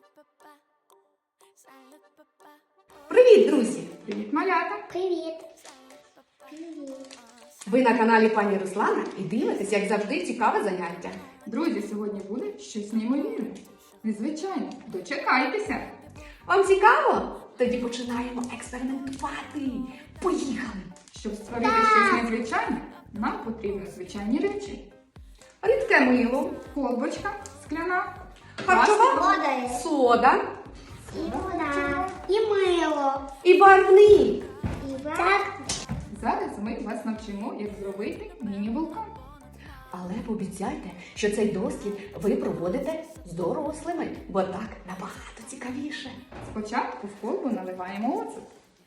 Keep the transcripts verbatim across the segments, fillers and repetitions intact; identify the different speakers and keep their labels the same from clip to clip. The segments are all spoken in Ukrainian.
Speaker 1: Привіт, друзі!
Speaker 2: Привіт, малята!
Speaker 3: Привіт! Привіт!
Speaker 1: Ви на каналі пані Руслана і дивитесь, як завжди, цікаве заняття.
Speaker 2: Друзі, сьогодні буде щось неймовірне. Незвичайно. Дочекайтеся!
Speaker 1: Вам цікаво? Тоді починаємо експериментувати. Поїхали!
Speaker 2: Щоб створити щось незвичайне, нам потрібні звичайні речі.
Speaker 1: Рідке мило,
Speaker 2: Колбочка скляна,
Speaker 1: харчова
Speaker 3: Вода.
Speaker 1: сода
Speaker 3: І вода. І мило.
Speaker 1: і барвник.
Speaker 3: І так.
Speaker 2: Зараз ми вас навчимо, як зробити міні-вулкан.
Speaker 1: Але пообіцяйте, що цей дослід ви проводите з дорослими, бо так набагато цікавіше.
Speaker 2: Спочатку в колбу наливаємо оцет.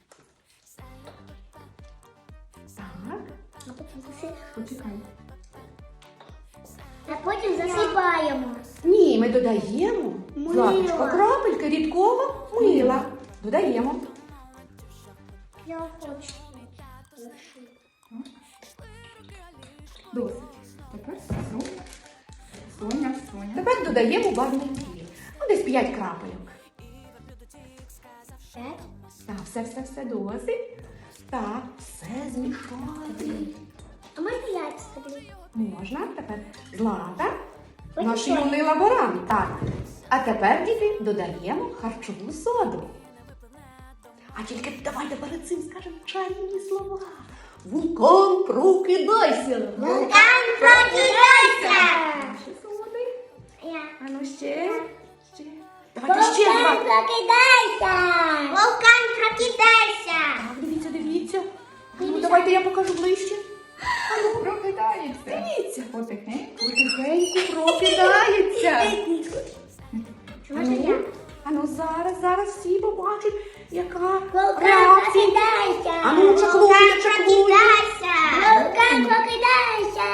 Speaker 1: Так.
Speaker 3: А потім заси-
Speaker 2: Почекай.
Speaker 3: А потім засипаємо.
Speaker 1: Ні, ми додаємо
Speaker 3: Мила.
Speaker 1: Златочко, крапельки рідкого мила. Додаємо.
Speaker 3: Я хочу.
Speaker 2: Досить. Тепер Соня, Соня, Соня.
Speaker 1: Тепер додаємо барвники. Ну, десь п'ять крапельок.
Speaker 3: П'ять.
Speaker 1: Так, все, все, все досить. Так, все змішати.
Speaker 3: А можна яйця тобі?
Speaker 1: Можна. Тепер Злата.
Speaker 3: Ось
Speaker 1: Наш
Speaker 3: що.
Speaker 1: юний лаборант. Так. А тепер, діти, додаємо харчову соду. А тільки давайте перед цим скажемо чарівні слова. Вулкан, прокидайся!
Speaker 3: Вулкан, прокидайся!
Speaker 2: Ще солоди.
Speaker 3: Я.
Speaker 1: А ну ще. Ще. Давайте ще
Speaker 3: Вулкан,
Speaker 1: два.
Speaker 3: прокидайся! Вулкан, прокидайся!
Speaker 1: Так, дивіться, дивіться. Ну, давайте я покажу ближче.
Speaker 2: Прокидається.
Speaker 1: Дивіться.
Speaker 2: Потихеньку.
Speaker 1: Потихеньку прокидається.
Speaker 3: Можна я?
Speaker 1: А ну зараз, зараз всі побачать, яка
Speaker 3: Вулкан,
Speaker 1: реакція.
Speaker 3: прокидайся!
Speaker 1: А ну, чаклує, чаклує.
Speaker 3: Прокидайся! Вулкан, прокидайся!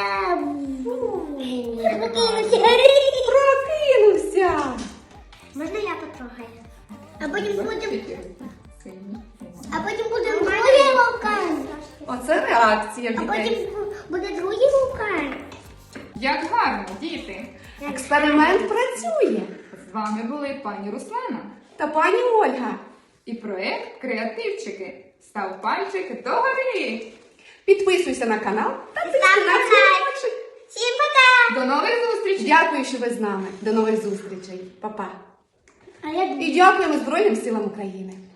Speaker 3: Прокинувся!
Speaker 1: Прокинувся.
Speaker 3: Можна я потрогаю? А потім будемо...
Speaker 2: Сильні.
Speaker 3: А потім буде другий вулкан.
Speaker 1: Оце реакція в
Speaker 3: А
Speaker 1: дітей.
Speaker 3: потім буде другий вулкан.
Speaker 2: Як гарно, діти!
Speaker 1: Експеримент працює.
Speaker 2: З вами були пані Руслана
Speaker 1: Та пані Ольга.
Speaker 2: і проект Креативчики. Став пальчик догори.
Speaker 1: Підписуйся на канал та тисни
Speaker 3: Ставте
Speaker 1: на
Speaker 3: лайк.
Speaker 1: дзвіночок.
Speaker 3: Всім пока!
Speaker 2: До нових зустрічей!
Speaker 1: Дякую, що ви з нами. До нових зустрічей. Па-па.
Speaker 3: А я
Speaker 1: І дякуємо Збройним силам України.